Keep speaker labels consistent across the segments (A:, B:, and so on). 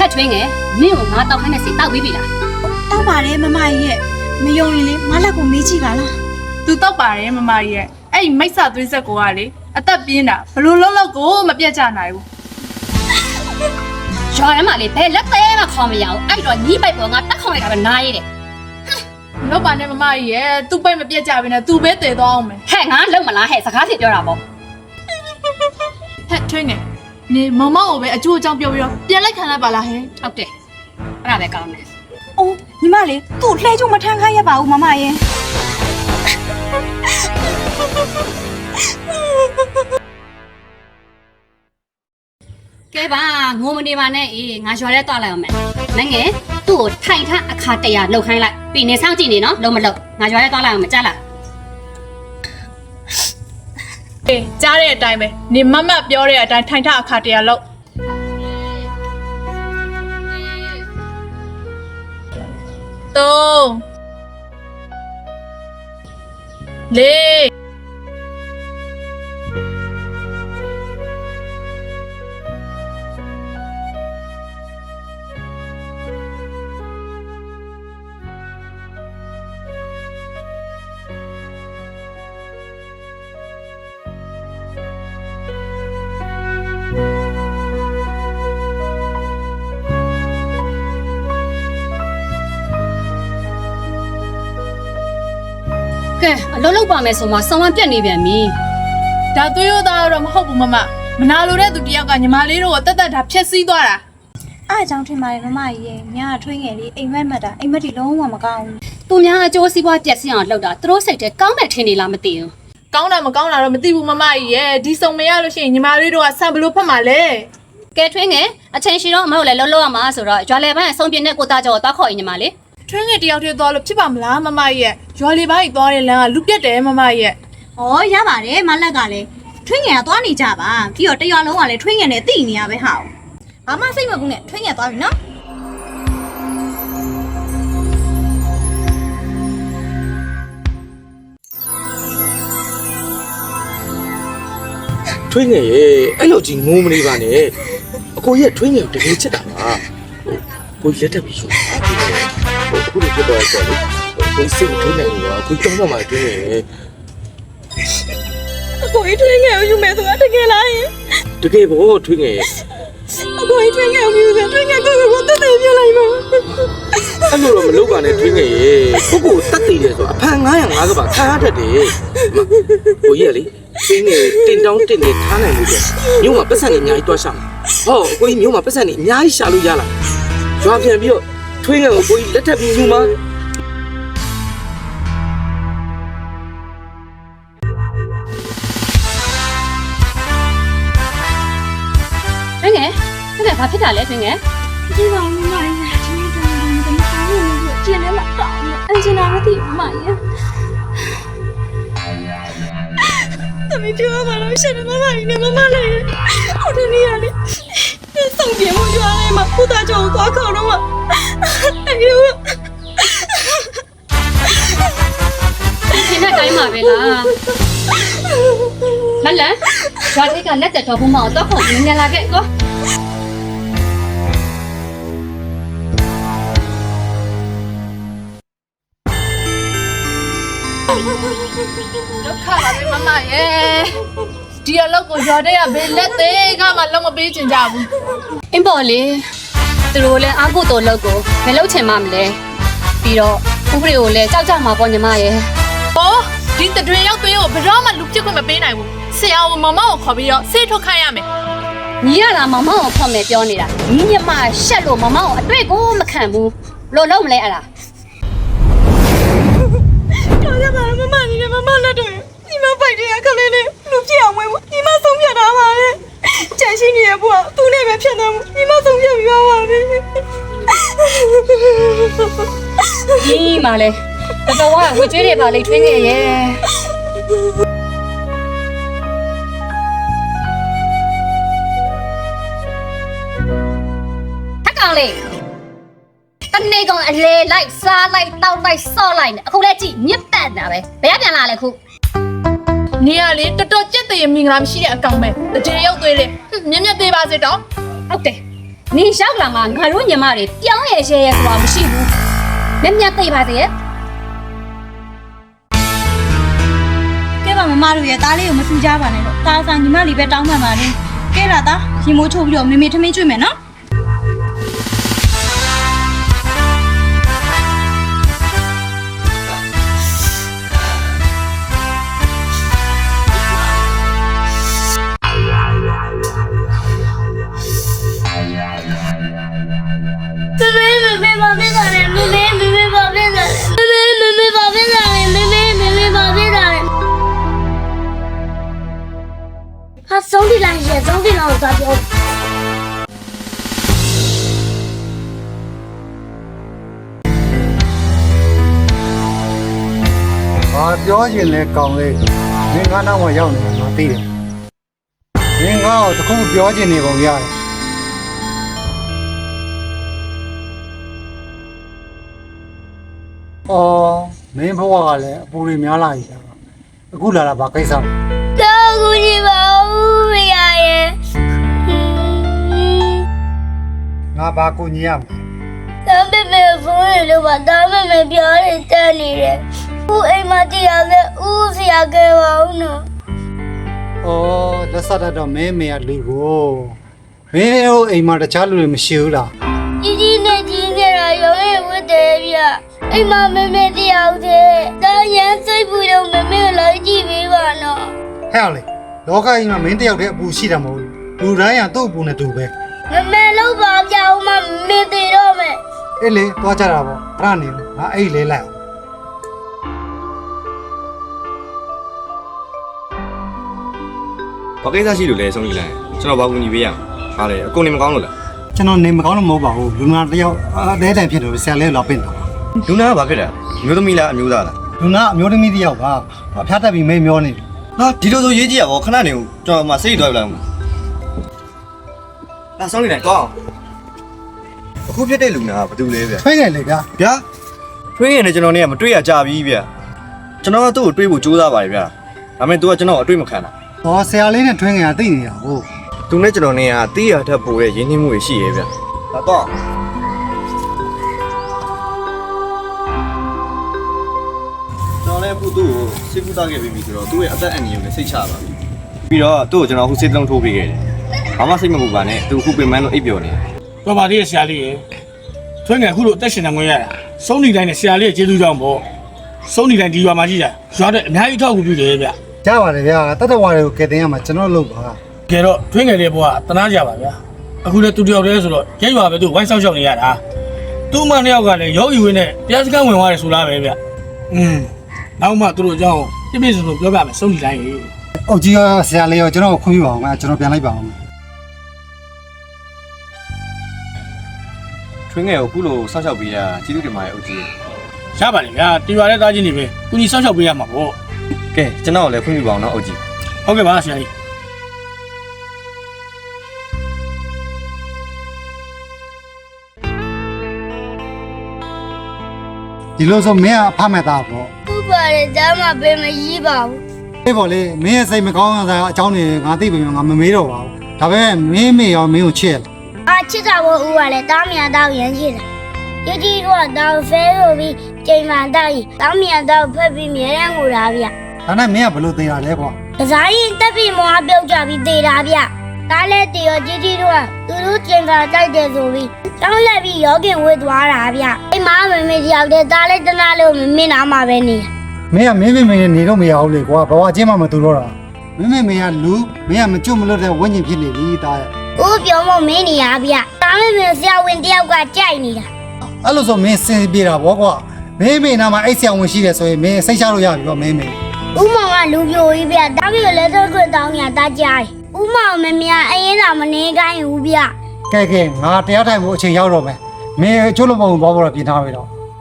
A: က်ထွင်းငယ်မင်းကိုငါတောက်ခိုင်းတဲ့စီတောက်ပြီးပြီလား
B: တောက်ပါတယ်မမကြီးရဲ့မယုံရင်လေငါလက်ကိုမေးကြည့်ပါလား
C: သူတောက်ပါတယ်မမကြီးရဲ့အဲ့ဒီမိတ်ဆာသွေးဆက်ကိုကလေအသက်ပြင်းတာဘလို့လုံးလုံးကိုမပြတ်ကြနိုင်ဘူး
A: ရွာထဲမှာလေဘယ်လက်သေးမှခေါင်းမရအောင်အဲ့တော့ညီးပိုက်ပေါ်ငါတက်ခေါင်းလိုက်တာပဲနားရည်တယ်
C: လောက်ပါနဲ့မမကြီးရဲ့သူ့ပိတ်မပြတ်ကြဘဲနဲ့သူပဲတည်သွားအောင်မယ်
A: ဟဲ့ငါလုံမလားဟဲ့စကားဖြစ်ပြောတာပေါ့
C: ဟဲ့ထွင်းငယ်နေမမကိုပဲအကျိုးအကြောင်းပြောပြီးတော့ပြန်လိုက်ခံလိုက်ပါလားဟဲ့
A: ဟုတ်တယ်အဲ့ဒါပဲကောင်းတယ်
B: အိုးညီမလေးသူ့လှဲချုံမထမ်းခိုင်းရပါဘူးမမရဲ့
A: ကဲပါငိုမနေပါနဲ့အေးငါရွာထဲသွားလိုက်အောင်မယ်နိုင်ငယ်သူ့ကိုထိုင်ထအခါ100လှုပ်ခိုင်းလိုက်ပြီးနေစောင့်ကြည့်နေနော်လုံမလုံငါရွာထဲသွားလိုက်အောင်မကြလား
C: အေးကြားတဲ့အတိုင်းပဲနေမမပြောတဲ့အတိုင်းထိုင်ထအခါ100လောက်3 4
A: ကဲအလုံးလုံးပါမယ်ဆိုမှဆောင်းဝမ်းပြက်နေပြန်ပြီ
C: ဒါသွေးရသားတော့မဟုတ်ဘူးမမနာလိုတဲ့သူတယောက်ကညီမလေးတို့ကိုတက်တက်တာဖျက်ဆီးသွားတာ
B: အားအကြောင်းထင်ပါတယ်မမကြီးရဲ့ညာထွေးငယ်လေးအိမ်မက်မက်တာအိမ်မက်တီလုံးဝမကောင်းဘူး
A: သူများအကျိုးစီးပွားပြက်စီးအောင်လှုပ်တာသူတို့စိတ်ထဲကောင်းတယ်ထင်နေလားမသိဘူး
C: ကောင်းတာမကောင်းတာတော့မသိဘူးမမကြီးရဲ့ဒီစုံမရလို့ရှိရင်ညီမလေးတို့ကဆံဘလို့ဖတ်မှာလဲ
A: ကဲထွင်းငယ်အချိန်ရှိတော့အမဟုတ်လဲလုံးလုံးရမှာဆိုတော့ရွာလေပိုင်းအဆုံးပြင်းတဲ့ကိုသားကျော်ကိုသွားခေါ်ရင်ညီမလေး
C: ထွင်းငယ်တယောက်တည်းသွားလို့ဖြစ်ပါမလားမမကြီးရဲ့ရွာလေးပိုင်းသွားတဲ့လမ်းကလူပြက်တယ်မမကြီးရဲ့
B: ဩရပါတယ်မလက်ကလည်းထွေးငယ်ကသွားနေကြပါပြီးတော့တရွာလုံးကလည်းထွေးငယ်နဲ့တိနေရပဲဟာဘာမှစိတ်မကူနဲ့ထွေးငယ်သွားပြီနော်
D: ထွေးငယ်ရဲ့အဲ့လိုကြီးငိုးမနေပါနဲ့အကိုကြီးကထွေးငယ်ကိုတကယ်ချစ်တာပါကိုကြီးလက်ထပ်ပြီးယူပါအခုလိုဖြစ်တော့ဆိုတော့ကိုစိတ်ထွေးနေလို့ပါကိုကြောင်းတော့မှထွေးငယ်
B: အကိုကြီးထွေးငယ်ကိုယူမယ်ဆိုတာတကယ်လားယင်
D: တကယ်ပေါ့ထွေးငယ်
B: အကိုကြီးထွေးငယ်ကိုယူတယ်ထွေးငယ်ကိုတက်တက်ပြလိုက်ပါ
D: အဲ့လိုတော့မလုပ်ပါနဲ့ထွေးငယ်ရဲ့ကိုတတ်တည်တယ်ဆိုအဖန်905ကပါခါတတ်တယ်ကိုကြီးကလေထွေးငယ်တင်တောင်းတင်နေထားနိုင်လို့မြို့မှာပတ်စံနေအများကြီးတွားရှာဟောကိုကြီးမြို့မှာပတ်စံနေအများကြီးရှာလို့ရလားကြွားပြန်ပြီးတော့ထွေးငယ်ကိုကိုကြီးလက်ထပ်ပြီးယူမှာ
A: ထွင်းငယ်ဘာဖြစ်တာလဲထွင်းငယ်
B: ဒီကောင်မမကြီးဒီနေ့တော့မကောင်းဘူးကျင်းနေမှာတောင်းအင်ဂျင်နာမသိဘူးမကြီးသမီးပြောပါလို့ရှင်မမကြီးနဲ့မမလေးဟိုတနေ့ကလေဆောင်ပြေမှုကြွားနေမှာဖူတာကြောင့်သွားခေါ်တော့အယူ
A: ဒီနေ့တိုင်းမှာပဲလားမလန်ရွာလေးကလက်တက်တော်ဘူးမအောင်တော့ခေါ်နေနေလာခဲ့ကော
C: ဒုက္ခပါပဲမမရဲ့ဒီအလုပ်ကိုရွာတဲ့ကဘယ်လက်သေးကမှလုံးမပေးချင်ကြဘူး
A: အင်းပေါ်လေသူတို့လည်းအာကိုတော်လောက်ကိုမလုပ်ချင်မှမလဲပြီးတော့ဥပဒေကိုလည်းကြောက်ကြမှာပေါ့ညီမရဲ့
C: ။အော်ဒီတတွေရောက်သွေးကိုဘယ်တော့မှလူပြစ်ခွင့်မပေးနိုင်ဘူး။ဆရာကမမကိုခေါ်ပြီးတော့ဆေးထုတ်ခိုင်းရမယ်
A: ညီရတာမမောင်ကိုဖောက်မယ်ပြောနေတာညီညမရှက်လို့မမောင်ကိုအတွေ့ကိုမခံဘူးလို့လုံးမလဲအဲ့ဒါ
B: တော်ရပါမမကြီးနဲ့မမလက်တော့ဒီမပိုက်တဲ့အခလေးလေးလူပြအောင်ဝဲဘူးဒီမဆုံးဖြတ်တာပါလေကြံရှိနေရဖို့သူနဲ့ပဲဖြစ်နေမှုဒီမဆုံးဖြတ်ပြီးပါပါပဲ
A: ညီမလဲတော်တော်ဝေကျွေးတွေပါလေထွင်းခဲ့ရဲ့ထက်ကောင်လေးတနေ့ကောင်အလေလိုက်စားလိုက်တောက်လိုက်ဆော့လိုက်နေအခုလည်းကြည့်မြစ်ပတ်တာပဲဘယ်ကပြန်လာလဲခု
C: ။နေရလေတော်တော်ကြက်တရေမင်္ဂလာမရှိတဲ့အကောင်ပဲ။တတွေရောက်သွေးလေမြက်မြက်သေးပါစေတော့
A: ဟုတ်တယ်နင်ရောက်လာမှငါတို့ညီမတွေပြောင်းရဲရဲဆိုတာမရှိဘူးလက်မြတ်သိပါသေးရဲ့
B: ကဲပါမမတို့ရဲ့သားလေးကိုမဆူကြပါနဲ့လို့သားစားညီမလေးပဲတောင်းပန်ပါလေကဲလာသားရင်မိုးချိုးပြီးတော့မေမေထမင်းကျွေးမယ်နော်
E: မေဘာဖြစ်တာလဲမေဘာဖြစ်တာလဲမေဘာဖြစ်တာလဲမေဘာဖြစ်တာလဲဟာဆုံးဒီလိုက်ရဲ့ဆုံးဒီလောက်သွားပြော
F: ဘာပြောချင်လဲကောင်းလေးမင်းကားနောက်မှာရောက်နေမှာသိတယ်မင်းကားကိုတခုပြောချင်နေပုံရတယ်အော်မင်းဘဝကလည်းအပူတွေများလာပြီအခုလာတာဘာကိစ္စလဲ
E: တော့ကူညီပါဦးမရရဲ့
F: ငါဘာကိုညီရမလဲ
E: တမ်းမေဖုန်းရလို့ပါတမ်းမေပြောနေတက်နေတယ်ဦးအိမ်မတရားလဲဦးဆရာကဲပါဦးနော်
F: အော်လက်ဆက်တော့မင်းမေကလူကိုမင်းတို့အိမ်မှာတခြားလူတွေမရှိဘူးလား
E: ကြီးနဲ့ကြီးနေတာရုံးရဝတ်တယ်ဗျအိမ်မမေတရားဦးတဲ့တာရန်စိတ်ပူတော့မေလိုက်ကြည့်ပေးပါနော်
F: ဟဲ့လေလောကကြီးမှာမင်းတယောက်တည်းအပူရှိတာမဟုတ်ဘူးလူတိုင်းကသူ့အပူနဲ့တူပဲ
E: လောက်ပါပြအောင်မမေသေးတော့မယ်
F: အေးလေသွားကြတာပေါ့အဲ့ဒါနေငါအဲ့လေလိုက်အောင်
G: ဘာကိစ္စရှိလို့လဲဆုံးကြီးလိုက်ကျွန်တော်ဘာကူညီပေးရမှာဟာလေအကုန်နေမကောင်းလို့လား
F: ကျွန်တော်နေမကောင်းလို့မဟုတ်ပါဘူးလူနာတယောက်အသေးတိုင်ဖြစ်လို့ဆရာလေးလာပင့်တာ
G: လူနာကဘာဖြစ်တာအမျိုးသမီးလားအမျိုးသားလား
F: လူနာအမျိုးသမီးတယောက်ပါဖျားတက်ပြီးမိတ်မျောနေတယ်
G: ဟာဒီလိုဆိုရေးကြည့်ရပါခဏနေဦးကျွန်တော်မှစိတ်သွားပြလိုက်အောင်လာဆုံးလိုက်ကောင်းအခုဖြစ်တဲ့လူနာကဘာတူလဲဗျ
F: ဖိတ်နေလေဗျာ
G: ဗျာထွေးရင်လည်းကျွန်တော်နဲ့ကမတွေ့ရကြပြီဗျကျွန်တော်ကသူ့ကိုတွေးဖို့ကြိုးစားပါတယ်ဗျဒါပေမဲ့ तू ကကျွန်တော်အတွေ့မခံတာ
F: ဟောဆရာလေးနဲ့ထွင်းငင်ကသိနေတာဟုတ်
G: သူနဲ့ကျွန်တော်နဲ့ကတီးရထက်ပိုတဲ့ရင်းနှီးမှုတွေရှိရဲ့ဗျဒါတော့ကျွန်တော်လည်းအခုသူ့ကိုစိတ်ကူးသားခဲ့ပြီးပြီဆိုတော့သူ့ရဲ့အသက်အန္တရာယ်ကိုလည်းစိတ်ချပါပြီပြီးတော့သူ့ကိုကျွန်တော်အခုစိတ်လုံးထိုးပေးခဲ့တယ်ဘာမှစိတ်မပူပါနဲ့သူအခုပြင်မန်းလို့အိပ်ပျော်နေတယ်
H: တော်ပါသေးရဲ့ဆရာလေးရေထွန်းငယ်အခုလိုအသက်ရှင်နေခွင့်ရတာစုံနေတိုင်းနဲ့ဆရာလေးရဲ့ကျေးဇူးကြောင့်ပေါ့စုံနေတိုင်းဒီရွာမှာကြီးတာရွာတဲ့အများကြီးထောက်ကူပြုတယ်ဗျ
F: ကြားပါတယ်ဗျာတတဝါတွေကိုကယ်တင်ရမှာကျွန်တော်လုပ်ပါ
H: ကဲတော့ထွန်းငယ်လေးဘွားတနာကြပါဗျာအခုလည်းသူတယောက်တည်းဆိုတော့ရဲရွာပဲသူဝိုင်းဆောင်ရှောက်နေရတာသူ့မနှစ်ယောက်ကလည်းယောဂီဝင်းနဲ့တရားစခန်းဝင်သွားတယ်ဆိုလားပဲဗျနောက်မှသူတို့အကြောင်းပြည့်ပြည့်စုံစုံပြောပြမယ်စုံနေတိုင်းရေ
F: အုတ်ကြီးကဆရာလေးရောကျွန်တော်ကိုခွင့်ပြုပါအောင်ကျွန်တော်ပြန်လိုက်ပါအောင်
G: ထွင်းငယ်ကိုအခုလိုဆောက်ရှောက်ပေးတာကျေးဇူးတင်ပါတယ်အုတ်ကြီး
H: ရပါတယ်ဗျာတီရွာတဲ့သားချင်းတွေပဲကုညီဆောင်ရှောက်ပေးရမှာပေါ့
G: ကဲကျွန်တော်လည်းခွင့်ပြုပါအောင်နော်အုတ်ကြီး
H: ဟုတ်ကဲ့ပါဆရာကြီး
F: ဒီလိုဆိုမင်းကအဖမဲ့သားပေါ့
E: ဥပါရဒါမှပဲမကြီးပါဘူး
F: အေးပေါ့လေမင်းရဲ့စိတ်မကောင်းတဲ့အကြောင်းတွေငါသိပြီငါမမေးတော့ပါဘူးဒါပေမဲ့မင်းမေရောမင်းကိုချစ်လား
E: အာချစ်တာဘောဥပါလေတားမြတ်တော့ရမ်းရှိတယ်ကြီးတော့တော့ဖဲလို့ပြီးချိန်မှတော့တားမြတ်တော့ဖက်ပြီးမြဲရန်ကိုလာဗျ
F: ဒါနဲ့မင်းကဘယ်လိုသိတာလဲကွာ
E: ကစားရင်တက်ပြီးမောအပြုတ်ကြပြီးတေတာဗျဒါလည်းတေရောကြီးတော့သူတို့ချိန်မှတိုက်တယ်ဆိုပြီးတောင်းလက်ပြီးရောကင်ဝေးသွားတာဗျအိမ်မမေတယောက်တည်းဒါလည်းတနာလို့မင်းနာမှာပဲနေ
F: မင်းကမင်းမေနဲ့နေတော့မရဘူးလေကွာဘဝချင်းမှမတူတော့တာမင်းမေကလူမင်းကမကျွတ်မလွတ်တဲ့ဝိညာဉ်ဖြစ်နေပြီတာရဲ့
E: ဦးပြောမမင်းနေရဗျတားမေဆရာဝန်တယောက်ကကြိုက်နေတာ
F: အဲ့လိုဆိုမင်းစင်ပြေတာဗောကွာမင်းမေနာမှာအိတ်ဆရာဝန်ရှိတယ်ဆိုရင်မင်းစိတ်ချလို့ရပြီဗောမင်းမေ
E: ဦးမောင်ကလူပြိုကြီးဗျတားပြီးလက်သက်ခွတ်တောင်းညာတားကြိုက်ဦးမောင်မမြအရင်သာမနေကိုင်းဘူးဗျ
F: ကဲငါတရားထိုင်ဖို့အချိန်ရောက်တော့မယ်မင်းချိုးလို့မဟုတ်ဘောတော့ပြင်ထားပြီတော့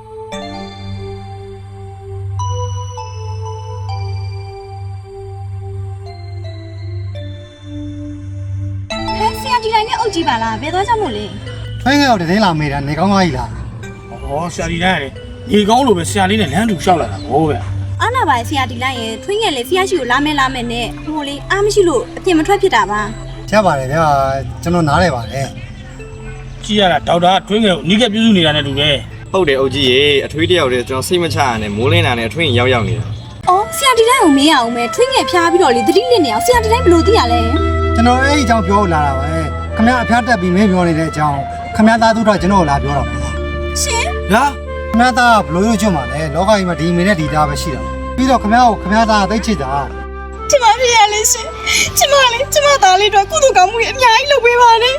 B: ဟဲ့ဆရာကြီးတိုင်းနဲ့အုတ်ကြီးပါလားဘယ်သွားကြမို့လဲ
F: ဖိုင်းငယ်တော့တင်းလာမေးတာနေကောင်းသွားပြီလား
H: ဟောဆရာကြီးတိုင်းရတယ်ဒီကောင်းလို့ပဲဆရာလေးနဲ့လမ်းတူလျှောက်လာတာဟောဗျ
B: အားနာပါဆရာဒီလိုက်ရဲ့ထွင်းငယ်လေးဆရာရှိကိုလာမယ်နဲ့ဟိုလေအားမရှိလို့အပြင်မထွက်ဖြစ်တာပါ
F: ရပါတယ်ဗျာကျွန်တော်နားလဲပါတယ်
H: ကြည့်ရတာဒေါက်တာထွင်းငယ်ကိုနီးကပ်ပြုစုနေတာနဲ့တူတယ်
G: ဟုတ်တယ်အုတ်ကြီးရေအထွေးတယောက်တည်းကျွန်တော်စိတ်မချရနဲ့မိုးလင်းတာနဲ့အထွေးရောက်ရောက်နေတာ
B: အော်ဆရာဒီတိုင်းကိုမေးရအောင်မယ်ထွေးငယ်ဖျားပြီးတော့လေသတိလစ်နေအောင်ဆရာဒီတိုင်းဘယ်လိုသိရလဲ
F: ကျွန်တော်အဲ့ဒီအကြောင်းပြောလာတာပဲခမရအဖျားတက်ပြီးမင်းပြောနေတဲ့အကြောင်းခမရသားသူတော့ကျွန်တော်လာပြောတာပါ
B: ရှင်
H: ဟာ
F: ခမရသားကဘလို့ရွကျွတ်မှာလဲလောကကြီးမှာဒီမင်းနဲ့ဒီသားပဲရှိတာပြီးတော့ခမရကိုခမရသားကသိချစ်တာ
B: ကျမပြရလေရှင်ကျမသားလေးတော့ကုသကောင်းမှုအများကြီးလုပ်ပေးပါနဲ့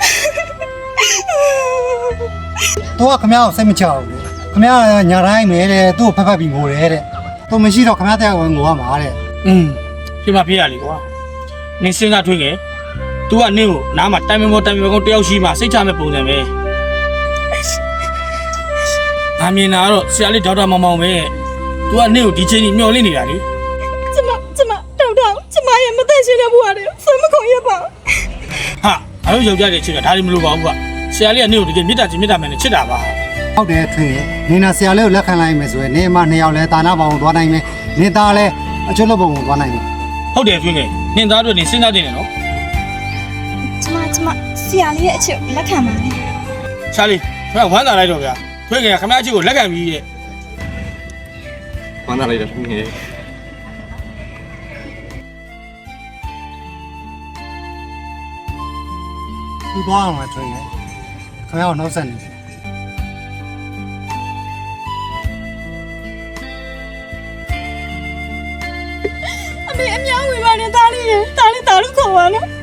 F: သူကခမရကိုစိတ်မချဘူးခမရညာတိုင်းမဲတဲ့သူ့ကိုဖက်ပြီးငိုတယ်တဲ့သူမရှိတော့ခမရတဲ့ဝင်ငိုရမှာတဲ့
H: ဖြစ်မဖြစ်ရလေကွာနင်းစဉ်းစားထွင်းငယ် तू ကနင်းကိုနားမှာတိုင်မမောတိုင်မကောတယောက်ရှိမှစိတ်ချမဲ့ပုံစံပဲငါမြင်တာကတော့ဆရာလေးဒေါက်တာမောင်မောင်ပဲ तू ကနင်းကိုဒီချိန်ကြီးမျောလင့်နေတာလေ
B: ကျမတောက်ကျမရဲ့မသက်ရှင်တဲ့ဘဝတွေဆွေးမခုံရပါ
H: ဟာအဲ့လိုယောက်ျားတွေချစ်တာဒါတွေမလိုပါဘူးကွာဆရာလေးကနင်းကိုတကယ်မေတ္တာချင်းမေတ္တာမှန်နဲ့ချစ်တာပါ
F: ဟုတ်တယ်ထွင်နေနာဆရာလေးကိုလက်ခံလိုက်မယ်ဆိုရင်နေမနှစ်ယောက်လဲတာနာပေါင်းသွားနိုင်မယ်နေသားလဲအကျွတ်လို့ပုံသွားနိုင်မယ်
H: ဟုတ်တယ်ထွင်းငယ်နင်းသားတို့နင်းစဉ်းစားတင်တယ်နော်
B: ကျမဆရာလေးရဲ့အချက်လက်ခံပါနဲ့
H: ရှာလေးခင်ဗျဝမ်းသာလိုက်တော့ဗျာထွင်းငယ်ကခင်ဗျအချစ်ကိုလက်ခံပြီးရဲ့
G: ဝမ်းသာလိုက်တာထွေးငယ်
F: သူသွားအောင်မယ်ထွင်ခမရကိုနှုတ်ဆက်နေ
B: အမေအများဝင်ပါနဲ့သားလေးရဲ့သားလေးသားလို့ခေါ်ပါနော်